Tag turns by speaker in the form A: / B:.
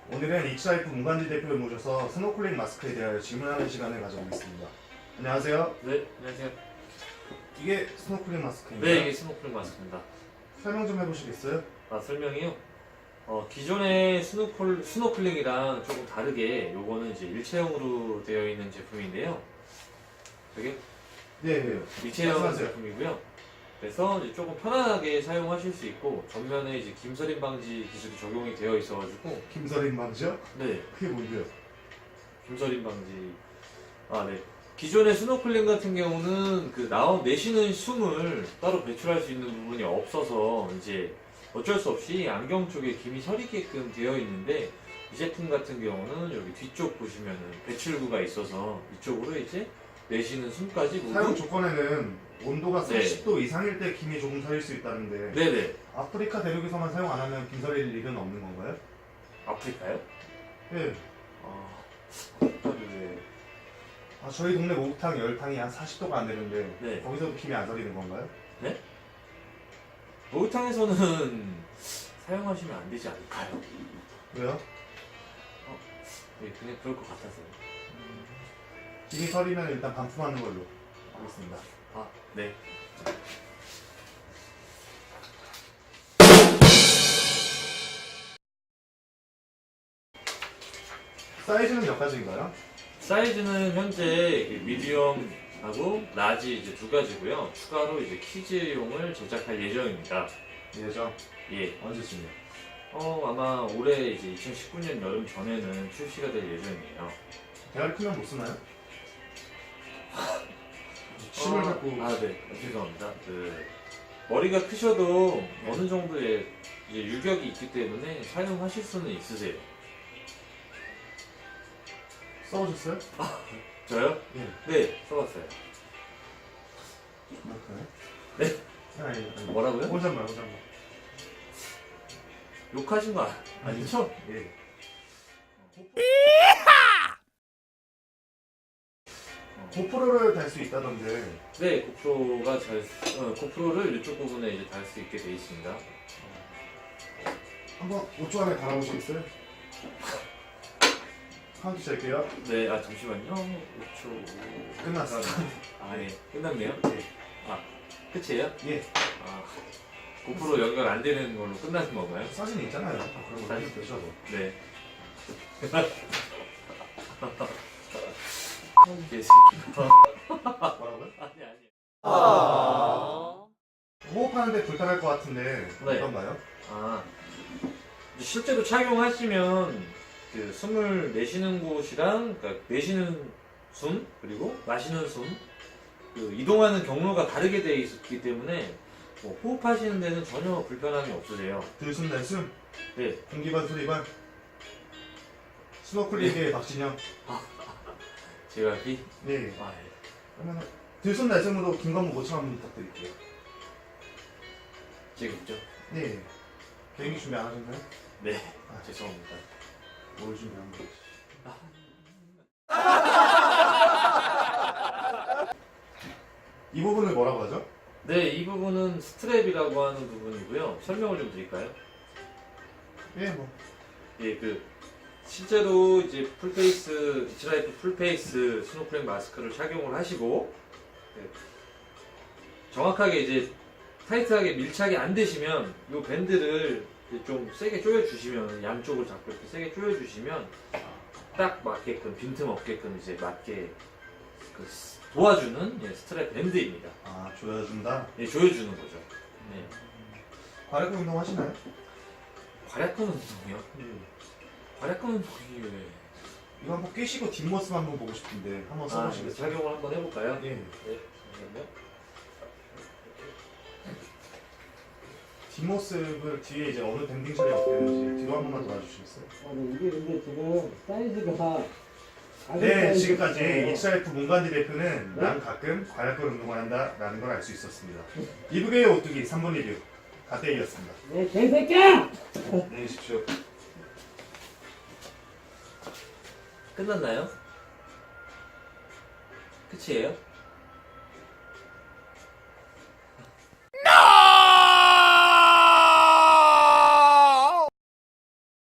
A: 오늘은 이츠라이프 문관지 대표를 모셔서 스노클링 마스크에 대하여 질문하는 시간을 가져보겠습니다. 안녕하세요.
B: 네, 안녕하세요.
A: 이게 스노클링 마스크인가요?
B: 네, 이게 스노클링 마스크입니다.
A: 설명 좀 해보시겠어요?
B: 설명이요? 기존의 스노클링이랑 조금 다르게 요거는 이제 일체형으로 되어 있는 제품인데요. 저게
A: 네.
B: 일체형
A: 말씀하세요.
B: 제품이고요. 그래서 이제 조금 편안하게 사용하실 수 있고 전면에 이제 김서림 방지 기술이 적용이 되어 있어가지고
A: 김서림 방지요?
B: 네,
A: 그게 뭔데요?
B: 김서림 방지. 네. 기존의 스노클링 같은 경우는 내쉬는 숨을 따로 배출할 수 있는 부분이 없어서 이제 어쩔 수 없이 안경 쪽에 김이 서리게끔 되어 있는데 이 제품 같은 경우는 여기 뒤쪽 보시면은 배출구가 있어서 이쪽으로 이제 내쉬는 숨까지
A: 사용
B: 모두.
A: 조건에는 온도가
B: 네.
A: 40도 이상일 때 김이 조금 서릴 수 있다는데
B: 네네.
A: 아프리카 대륙에서만 사용 안 하면 김 서릴 일은 없는 건가요?
B: 아프리카요?
A: 네.
B: 아프리카를
A: 저희 동네 목욕탕 열탕이 한 40도가 안 되는데
B: 네.
A: 거기서도 김이 안 서리는 건가요?
B: 목욕탕에서는 사용하시면 안 되지 않을까요?
A: 왜요?
B: 네, 그냥 그럴 것 같아서요.
A: 김이 서리면 일단 반품하는 걸로 하겠습니다.
B: 네.
A: 사이즈는 몇 가지인가요?
B: 사이즈는 현재 미디엄하고 라지 이제 두 가지고요. 추가로 이제 키즈용을 제작할 예정입니다.
A: 예정
B: 예.
A: 언제쯤이요?
B: 아마 올해 이제 2019년 여름 전에는 출시가 될 예정이에요.
A: 대가리 크면 못 쓰나요? 침을 자꾸
B: 네. 죄송합니다. 머리가 크셔도
A: 네.
B: 어느 정도의 이제 유격이 있기 때문에 사용하실 수는 있으세요.
A: 써보셨어요?
B: 저요?
A: 예.
B: 네, 써봤어요.
A: 그만큼요?
B: 네?
A: 아니.
B: 뭐라고요?
A: 혼잣말.
B: 욕하신 거 아니죠?
A: 예. 고프로를 달 수 있다던데
B: 네, 고프로를 이쪽 부분에 이제 달 수 있게 돼 있습니다.
A: 한번 5초 안에 달아보시겠어요? 카운트 찰게요.
B: 네, 잠시만요. 5초.
A: 끝났어.
B: 네, 끝났네요.
A: 예.
B: 끝이에요?
A: 예.
B: 고프로 연결 안 되는 걸로 끝나는 건가요?
A: 사진 있잖아요. 그런 거 사진 보셔도.
B: 네. 개새끼.
A: 뭐라고요?
B: 아니.
A: 호흡하는데 불편할 것 같은데
B: 네.
A: 어떤가요?
B: 실제로 착용하시면 숨을 내쉬는 곳이랑 내쉬는 숨 그리고 마시는 숨 이동하는 경로가 다르게 되어 있기 때문에 호흡하시는 데는 전혀 불편함이 없으세요.
A: 들숨 날숨
B: 네.
A: 공기반 소리반 스노클링의 박진영.
B: 제가
A: 네.
B: 예.
A: 그러면 들숨 날숨으로 김건모 5천 원 부탁드릴게요.
B: 제겠죠?
A: 네. 개인기 준비 안 하셨나요?
B: 네. 죄송합니다.
A: 뭘 준비한 거지? 이 부분을 뭐라고 하죠?
B: 네, 이 부분은 스트랩이라고 하는 부분이고요. 설명을 좀 드릴까요?
A: 예, 뭐.
B: 예, 실제로 이제 이츠라이프 풀페이스 스노클링 마스크를 착용을 하시고 정확하게 이제 타이트하게 밀착이 안 되시면 이 밴드를 좀 세게 조여주시면 양쪽을 잡고 이렇게 세게 조여주시면 딱 맞게끔 빈틈 없게끔 이제 맞게 도와주는 스트랩 밴드입니다.
A: 조여준다?
B: 예, 조여주는 거죠. 네.
A: 과략근 운동 하시나요?
B: 괄약근 운동이요? 괄약근 운동이 왜?
A: 이거 한번 끼시고 뒷모습 한번 보고 싶은데 한번 써보시겠어요?
B: 착용을 한번 해볼까요?
A: 예.
B: 네, 잠시만요.
A: 뒷모습을 뒤에 이제 어느 밴딩실에 어떻게든지 뒤로 한 번만 도와주시겠어요?
C: 이게 근데 지금 사이즈가
A: 네, 지금까지 이츠라이프 문관지 대표는 난 가끔 과략근 운동을 한다라는 걸 알 수 있었습니다. 이북의 오뚜기 3분 리뷰 가테이였습니다.
C: 네, 개새끼야!
A: 안녕히 계십시오.
B: 끝났나요? 끝이에요?